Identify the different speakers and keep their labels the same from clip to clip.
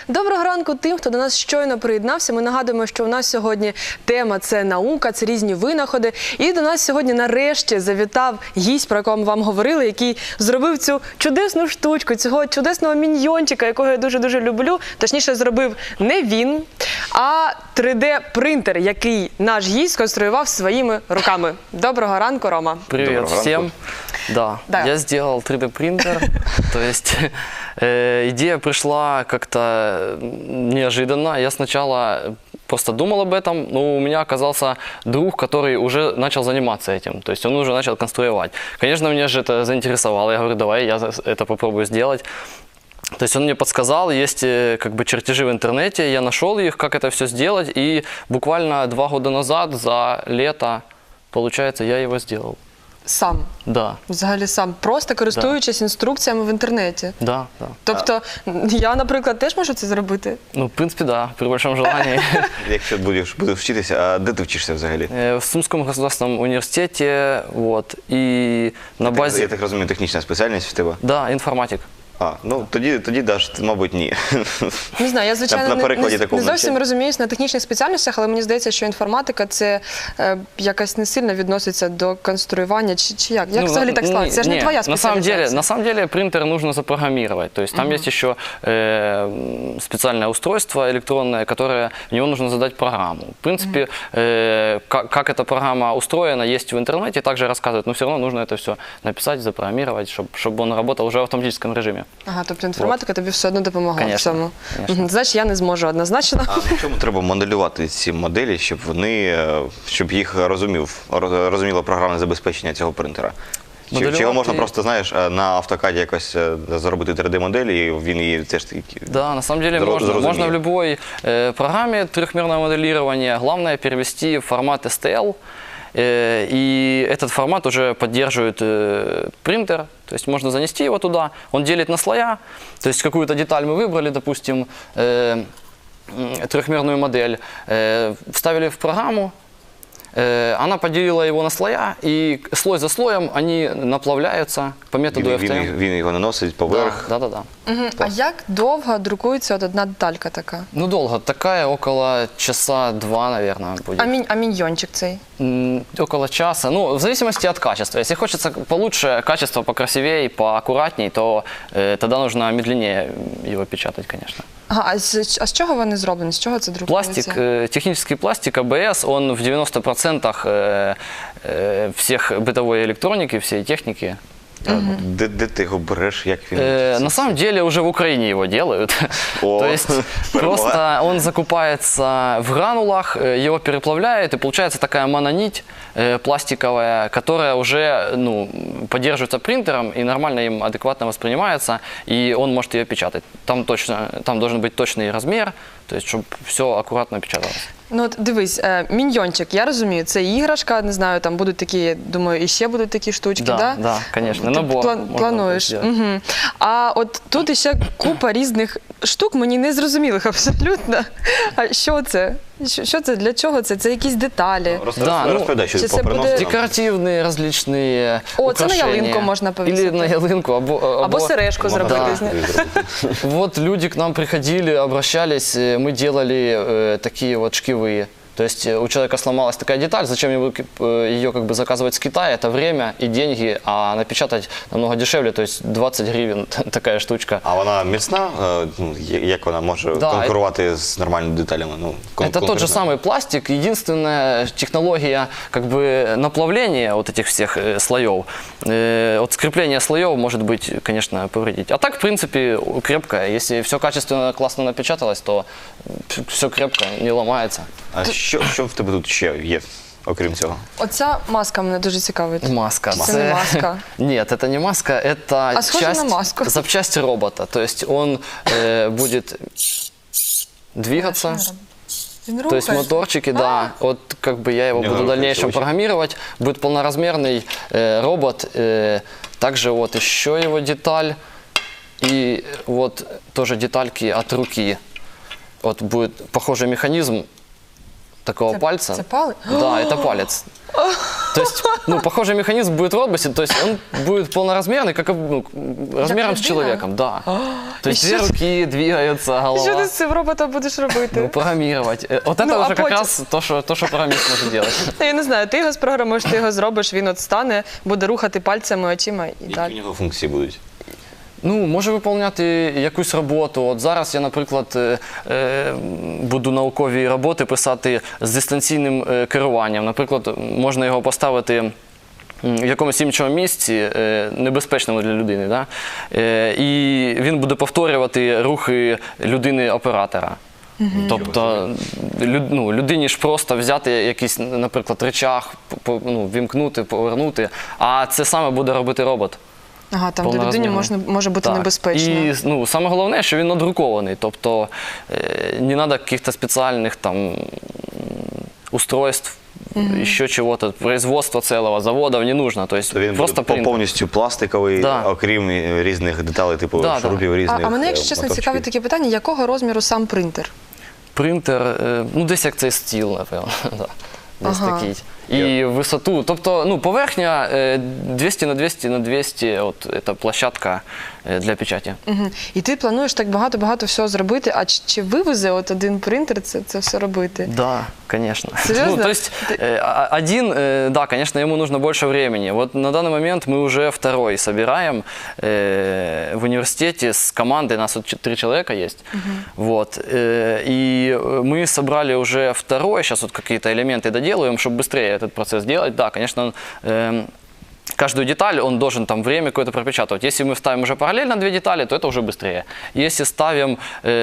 Speaker 1: Доброго ранку тим, хто до нас щойно приєднався. Ми нагадуємо, що у нас сьогодні тема – це наука, це різні винаходи. І до нас сьогодні нарешті завітав гість, про якого ми вам говорили, який зробив цю чудесну штучку, цього чудесного міньйончика, якого я дуже-дуже люблю. Точніше, зробив не він, а 3D-принтер, який наш гість сконструював своїми руками. Доброго ранку, Рома.
Speaker 2: Привет всем. Да, я сделал 3D-принтер, то есть идея пришла как-то неожиданно. Я сначала просто думал об этом, но у меня оказался друг, который уже начал заниматься этим, то есть он уже начал конструировать. Конечно, меня же это заинтересовало, я говорю, давай я это попробую сделать. То есть он мне подсказал, есть как бы чертежи в интернете, я нашел их, как это все сделать, и буквально 2 года назад, за лето, получается, я его сделал.
Speaker 1: Сам?
Speaker 2: Да.
Speaker 1: Взагалі сам, просто користуючись інструкціями в інтернеті?
Speaker 2: Да, да.
Speaker 1: Тобто, я, наприклад, теж можу це зробити?
Speaker 2: Ну, в принципе, да, при большом желании.
Speaker 3: Якщо будеш вчитися, а де ти вчишся взагалі?
Speaker 2: В Сумском государственном университете, вот, и на базе...
Speaker 3: Я так розумію, технічна спеціальність в тебе?
Speaker 2: Да, інформатик.
Speaker 3: Ну тоді мабуть, ні.
Speaker 1: Не знаю, я, звичайно,
Speaker 3: не
Speaker 1: зовсім розуміюсь на технічних спеціальностях, але мені здається, що інформатика – це якось не сильно відноситься до конструювання, чи як? Як взагалі так склалося? Це ж не твоя спеціалізація.
Speaker 2: На самом деле принтер нужно запрограммировать, то есть там есть еще специальное устройство электронное, которое, в него нужно задать программу. В принципе, как эта программа устроена, есть в интернете, также рассказывают, но все равно нужно это все написать, запрограммировать, чтобы он работал уже в автоматическом режиме.
Speaker 1: Ага, тобто інформатика тобі все одно допомагає в цьому.
Speaker 2: Конечно.
Speaker 1: Значить, я не зможу однозначно.
Speaker 3: А на чому треба моделювати ці моделі, щоб їх розуміло програмне забезпечення цього принтера? Чи його можна просто, знаєш, на автокаді якось зробити 3D-модель, і він її теж таки зрозуміє?
Speaker 2: Да, на самом деле можно в любой программе трехмерного моделирования. Главное перевести в формат STL. И этот формат уже поддерживает принтер, то есть можно занести его туда, он делит на слоя, то есть какую-то деталь мы выбрали, допустим, трехмерную модель, вставили в программу, она поделила его на слоя, и слой за слоем они наплавляются по методу FTM.
Speaker 3: Він його наносить поверх.
Speaker 2: Да.
Speaker 1: А як довго друкується одна деталька така?
Speaker 2: Ну, долго. Такая около часа-два, наверное, будет.
Speaker 1: А міньйончик цей?
Speaker 2: Около часа. Ну, в зависимости от качества. Если хочется получше, качество покрасивее, поаккуратней, то тогда нужно медленнее его печатать, конечно.
Speaker 1: Ага, а з чого вони зроблені? З чого це друкується?
Speaker 2: Пластик, технический пластик АБС, он в 90% всех бытовой электроники, всей техники.
Speaker 3: Де ти його береш, як він?
Speaker 2: На самом деле уже в Украине его делают. То есть просто он закупается в гранулах, его переплавляют, и получается такая мононить пластиковая, которая уже поддерживается принтером и нормально им адекватно воспринимается, и он может ее печатать. Там должен быть точный размер, то есть чтобы все аккуратно печаталось.
Speaker 1: Ну от дивись, міньйончик, я розумію, це іграшка, не знаю, там будуть такі, думаю, і ще будуть такі штучки, да?
Speaker 2: Да, конечно, набор.
Speaker 1: Плануєш. Угу. А от тут іще купа різних штук, мені не зрозумілих абсолютно. А що це? Що це? Для чого це? Це якісь деталі?
Speaker 3: Розповідай, що поприносили.
Speaker 2: Декоративные различные
Speaker 1: украшения. Це на ялинку можна повісити.
Speaker 2: Или на ялинку,
Speaker 1: або сережку зробити.
Speaker 2: Вот люди к нам приходили, обращались, мы делали такие вот шкивы. То есть у человека сломалась такая деталь, зачем ее как бы заказывать с Китая, это время и деньги, а напечатать намного дешевле, то есть 20 гривен такая штучка.
Speaker 3: А вона міцна? Як вона може конкурувати з нормальними деталями?
Speaker 2: Это тот же самый пластик, единственная технология как бы наплавления вот этих всех слоев. Вот скрепление слоев может быть, конечно, повредить. А так, в принципе, крепкое. Если все качественно, классно напечаталось, то все крепко, не ломается.
Speaker 3: А що в тебе тут ще є, окрім цього?
Speaker 1: Оця маска мене дуже цікавить.
Speaker 2: Маска.
Speaker 1: Це не маска?
Speaker 2: Нет, это не маска, это запчасть робота. То есть он будет двигаться. То есть моторчики, да, вот как бы я его буду в дальнейшем программировать. Будет полноразмерный робот. Также вот еще его деталь. И вот тоже детальки от руки. Вот будет похожий механизм такого пальца.
Speaker 1: Это палец?
Speaker 2: Да, это палец. То есть, ну, похожий механизм будет в роботе, то есть он будет полноразмерный, как размером с
Speaker 1: людина?
Speaker 2: человеком, да. То есть
Speaker 1: І
Speaker 2: две
Speaker 1: що
Speaker 2: руки двигаются,
Speaker 1: Що ти
Speaker 2: голова.
Speaker 1: з цим роботом будеш робити?
Speaker 2: Ну, программировать. Вот это
Speaker 1: Ну, а
Speaker 2: уже как
Speaker 1: потім?
Speaker 2: раз то, что программист может делать.
Speaker 1: Я не знаю, ти його спрограмуєш, ти його зробиш, він от стане, буде рухати пальцями, очима і
Speaker 3: Які
Speaker 1: так.
Speaker 3: у нього функції будуть?
Speaker 2: Ну, може виконувати якусь роботу. От зараз я, наприклад, буду наукові роботи писати з дистанційним керуванням. Наприклад, можна його поставити в якомусь іншому місці, небезпечному для людини, да? І він буде повторювати рухи людини-оператора. Тобто людині ж просто взяти якийсь, наприклад, речах, вімкнути, повернути, а це саме буде робити робот.
Speaker 1: Ага, там де людині може бути
Speaker 2: Так.
Speaker 1: небезпечно.
Speaker 2: І саме головне, що він надрукований, тобто не треба якихось спеціальних там устройств, еще чего-то, производства целого, заводов не нужно, то есть
Speaker 3: Він
Speaker 2: просто
Speaker 3: буде
Speaker 2: принтер.
Speaker 3: повністю пластиковий,
Speaker 2: Да.
Speaker 3: окрім різних деталей, типу
Speaker 2: Да,
Speaker 3: шурупів, різних
Speaker 1: А мене, якщо чесно,
Speaker 3: моточків.
Speaker 1: цікавить таке питання, якого розміру сам принтер?
Speaker 2: Принтер, десь як цей стіл, напевно. Да. Десь
Speaker 1: Ага.
Speaker 2: такий. І висоту, тобто, поверхня 200 на 200 на 200, от це площадка для печаті.
Speaker 1: Угу. І ти плануєш так багато-багато всього зробити, а чи вивезе от один принтер це все робити?
Speaker 2: Да, конечно.
Speaker 1: Серьезно?
Speaker 2: То есть один, да, конечно, ему нужно больше времени. Вот на данный момент мы уже второй собираем в университете с командой, нас вот 3 человека есть. Вот, и мы собрали уже второй, сейчас вот какие-то элементы доделываем, чтобы быстрее этот процесс делать. Да, конечно, каждую деталь он должен там время какое-то пропечатывать. Если мы ставим уже параллельно 2 детали, то это уже быстрее. Если ставим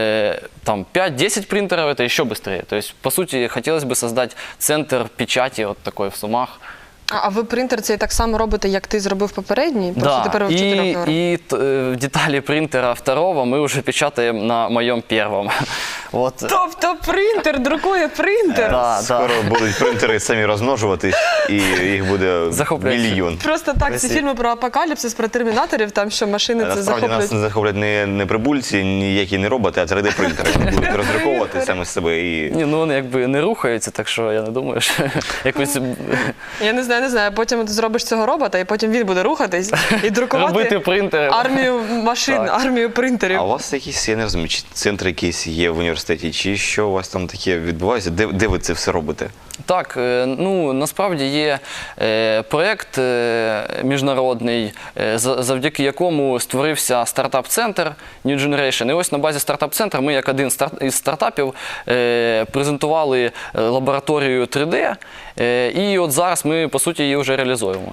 Speaker 2: там 5-10 принтеров, это еще быстрее. То есть, по сути, хотелось бы создать центр печати вот такой в Сумах.
Speaker 1: А ви принтер цей так само робите, як ти зробив попередній? Просто тепер ви в 4 робите?
Speaker 2: и детали принтера второго мы уже печатаем на моем первом. Вот.
Speaker 1: Тобто принтер друкує принтер?
Speaker 2: Да,
Speaker 3: Скоро будуть принтери самі розмножуватись, і їх буде
Speaker 2: Захоплююче.
Speaker 3: мільйон.
Speaker 1: Просто так, ці фільми про апокаліпсис, про термінаторів, там що машини це
Speaker 3: Насправді нас
Speaker 1: захоплюють.
Speaker 3: не захоплять не прибульці, ніякі не роботи, а 3D-принтери. Вони будуть роздруковувати саме з себе. І...
Speaker 2: Ні, ну вони якби не рухаються, так що я не думаю, що якось
Speaker 1: Я не знаю, потім ти зробиш цього робота, і потім він буде рухатись і друкувати
Speaker 2: робити принтери.
Speaker 1: армію машин,
Speaker 2: Так.
Speaker 1: армію принтерів.
Speaker 3: А у вас якісь, я не розумію, чи центр якийсь є в університеті, чи що у вас там таке відбувається? Де ви це все робите?
Speaker 2: Так, насправді є проєкт міжнародний, завдяки якому створився стартап-центр New Generation. І ось на базі стартап-центру ми, як один із стартапів, презентували лабораторію 3D, і от зараз ми, по суті, її вже реалізуємо.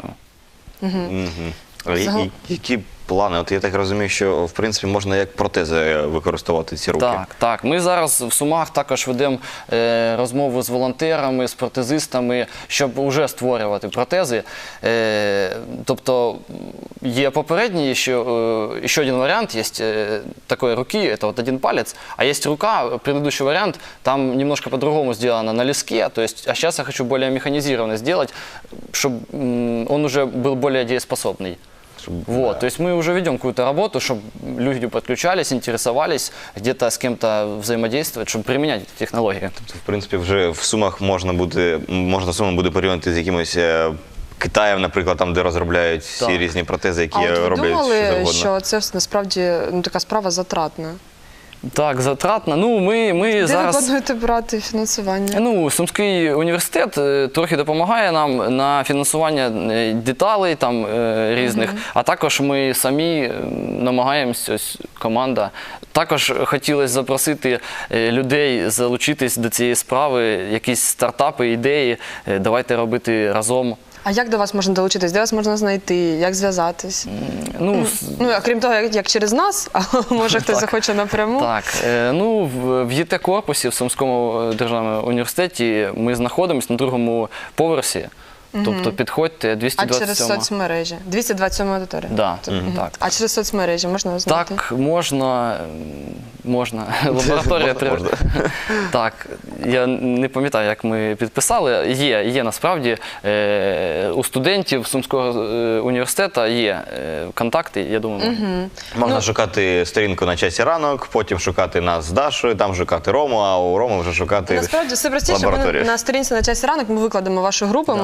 Speaker 3: Які плани? От я так розумію, що в принципі можна як протези використовувати ці руки.
Speaker 2: Так. Ми зараз в Сумах також ведемо розмову з волонтерами, з протезистами, щоб вже створювати протези. Тобто є попередній, ще один варіант, є такої руки, це от один палець, а є рука, предыдущий варіант, там немножко по-другому сделано на леске, то есть, а сейчас я хочу более механизированно сделать, чтобы он уже был более дееспособный. Вот, то есть мы уже ведем какую-то работу, чтобы люди подключались, интересовались, где-то с кем-то взаимодействовать, чтобы применять эти технологии.
Speaker 3: В принципі, вже в Сумах можна Суми буде порівняти з якимось Китаєм, наприклад, там, де розробляють всі різні протези, які
Speaker 1: А от ви
Speaker 3: роблять що
Speaker 1: думали,
Speaker 3: завгодно.
Speaker 1: що це насправді така справа затратна?
Speaker 2: Так, затратно. Ну, ми
Speaker 1: Де
Speaker 2: зараз...
Speaker 1: ви плануєте брати фінансування?
Speaker 2: Ну, Сумський університет трохи допомагає нам на фінансування деталей там різних, а також ми самі намагаємося, ось команда. Також хотілося запросити людей залучитись до цієї справи, якісь стартапи, ідеї, давайте робити разом.
Speaker 1: А як до вас можна долучитись? Де вас можна знайти? Як зв'язатись?
Speaker 2: Ну,
Speaker 1: Окрім того, як через нас, а може хтось захоче напряму?
Speaker 2: Так, в ЄТ-корпусі в Сумському державному університеті ми знаходимося на 2-му поверсі. Тобто підходьте,
Speaker 1: А
Speaker 2: 227.
Speaker 1: через соцмережі? 227 аудиторія?
Speaker 2: Да,
Speaker 1: Мгм.
Speaker 2: так.
Speaker 1: А через соцмережі можна вас знайти?
Speaker 2: Так, можна. Лабораторія
Speaker 3: Можна.
Speaker 2: Так, я не пам'ятаю, як ми підписали. Є насправді у студентів Сумського університету є контакти, я думаю.
Speaker 3: Можна шукати сторінку на часі ранок, потім шукати нас з Дашою, там шукати Рому, а у Роми вже шукати
Speaker 1: Насправді все простіше. Ми
Speaker 3: лабораторію.
Speaker 1: на сторінці на часі ранок ми викладемо вашу групу, ми там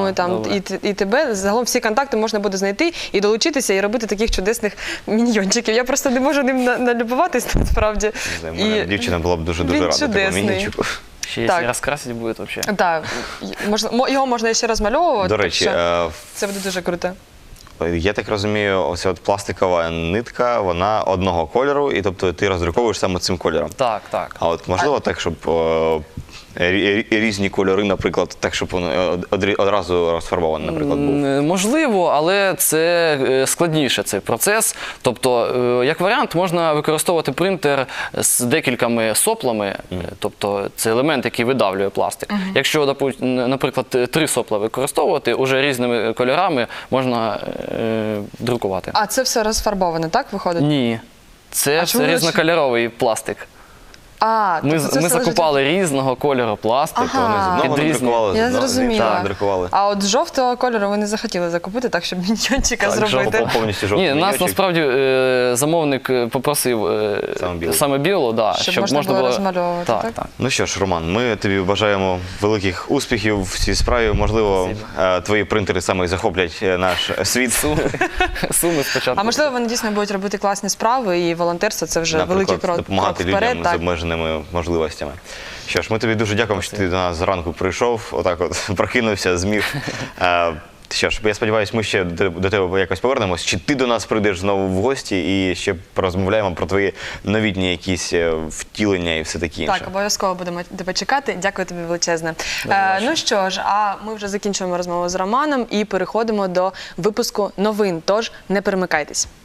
Speaker 2: Добре.
Speaker 1: і тебе. Загалом всі контакти можна буде знайти і долучитися, і робити таких чудесних міньйончиків. Я просто не можу ним налюбуватись, насправді.
Speaker 3: Не знаю, моя дівчина була б дуже
Speaker 1: він
Speaker 3: рада такому
Speaker 1: чудесний.
Speaker 3: мінійчику.
Speaker 2: Ще якщо
Speaker 1: Так.
Speaker 2: розкрасити буде взагалі.
Speaker 1: Так, його можна ще розмальовувати.
Speaker 3: До
Speaker 1: так
Speaker 3: речі,
Speaker 1: що це буде дуже круто.
Speaker 3: я так розумію, ось от пластикова нитка, вона одного кольору, і тобто ти роздруковуєш саме цим кольором.
Speaker 2: Так, так.
Speaker 3: А от можливо так, щоб різні кольори, наприклад, так, щоб воно одразу розфарбований, наприклад, був.
Speaker 2: Можливо, але це складніше, цей процес. Тобто, як варіант, можна використовувати принтер з декількома соплами, тобто це елемент, який видавлює пластик. Якщо, наприклад, 3 сопла використовувати, уже різними кольорами можна друкувати.
Speaker 1: А це все розфарбоване, так, виходить?
Speaker 2: Ні, це
Speaker 1: чому
Speaker 2: різнокольоровий пластик.
Speaker 1: Тобто
Speaker 2: Ми
Speaker 1: це все
Speaker 2: закупали різного кольору пластик.
Speaker 1: Ага.
Speaker 3: Вони з одного
Speaker 2: Під різні-
Speaker 3: надрукували,
Speaker 1: Я
Speaker 3: з одного
Speaker 1: зрозуміла.
Speaker 3: надрукували.
Speaker 1: А от жовтого кольору ви не захотіли закупити, так, щоб міньйончика
Speaker 2: Так,
Speaker 1: зробити?
Speaker 3: Повністю жовтий
Speaker 2: Ні, нас
Speaker 3: міньйончик.
Speaker 2: насправді замовник попросив
Speaker 3: Саме білий.
Speaker 2: да,
Speaker 1: Щоб можна було розмальовувати, так?
Speaker 2: Так.
Speaker 3: Ну що ж, Роман, ми тобі бажаємо великих успіхів в цій справі. Можливо, твої принтери саме і захоплять наш світ.
Speaker 2: Суми спочатку.
Speaker 1: А можливо, вони дійсно будуть робити класні справи, і волонтерство – це вже великий
Speaker 3: Наприклад,
Speaker 1: крок
Speaker 3: допомагати
Speaker 1: вперед.
Speaker 3: людям з
Speaker 1: Так.
Speaker 3: обмеженими можливостями. Що ж, ми тобі дуже дякуємо, що ти до нас зранку прийшов, отак от прокинувся, зміг. Що ж, я сподіваюся, ми ще до тебе якось повернемось. Чи ти до нас прийдеш знову в гості і ще порозмовляємо про твої новітні якісь втілення і все таке інше.
Speaker 1: Так, обов'язково будемо тебе чекати. Дякую тобі величезне. Ну що ж, а ми вже закінчуємо розмову з Романом і переходимо до випуску новин. Тож не перемикайтесь.